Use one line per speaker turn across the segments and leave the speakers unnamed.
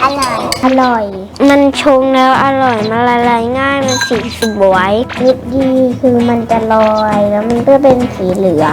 อร่อยอร่อย มันชงแล้วอร่อยมันละลายง่ายมันสีสวยวิตดีคือมันจะลอยแล้วมันก็เป็นสีเหลือง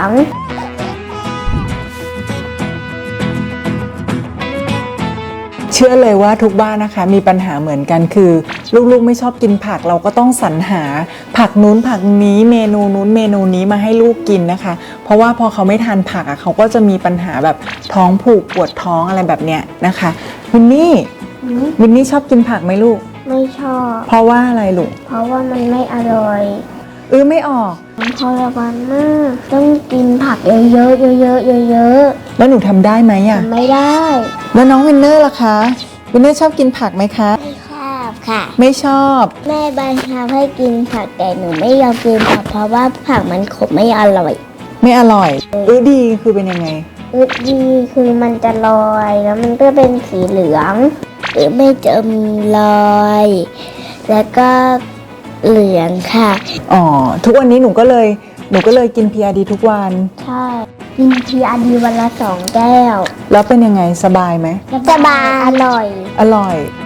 เชื่อเลยว่าทุกบ้านนะคะมีปัญหาเหมือนกันคือลูกๆไม่ชอบกินผักเราก็ต้องสรรหาผักนู้นผักนี้เมนูนู้นเมนูนี้มาให้ลูกกินนะคะเพราะว่าพอเขาไม่ทานผักเขาก็จะมีปัญหาแบบท้องผูกปวดท้องอะไรแบบเนี้ยนะคะวินนี่ชอบกินผักไหมลูก
ไม่ชอบ
เพราะว่าอะไรลูก
เพราะว่ามันไม่อร่อย
ไม่ออก
มันทรมานมากต้องกินผักเยอะๆเยอะๆเยอะๆ
แล้วหนูทำได้ไหมอ่ะ
ไม่ได้
แล้วน้องวินเนอร์ล่ะคะวินเนอร์ชอบกินผักไหมคะ
ไม่ชอบค่ะ
ไม่ชอบ
แม่บังคับให้กินผักแต่หนูไม่ยอมกินผักเพราะว่าผักมันขมไม่อร่อย
ดีคือเป็นยังไง
ดีคือมันจะลอยแล้วมันก็เป็นสีเหลืองไม่จะมีลอยแล้วก็เหลืองค่ะ
ทุกวันนี้หนูก็เลยกิน PRD ทุกวัน
ใช่กิน PRD วันละ2 แก้ว
แล้วเป็นยังไงสบายไหม
สบายอร่อย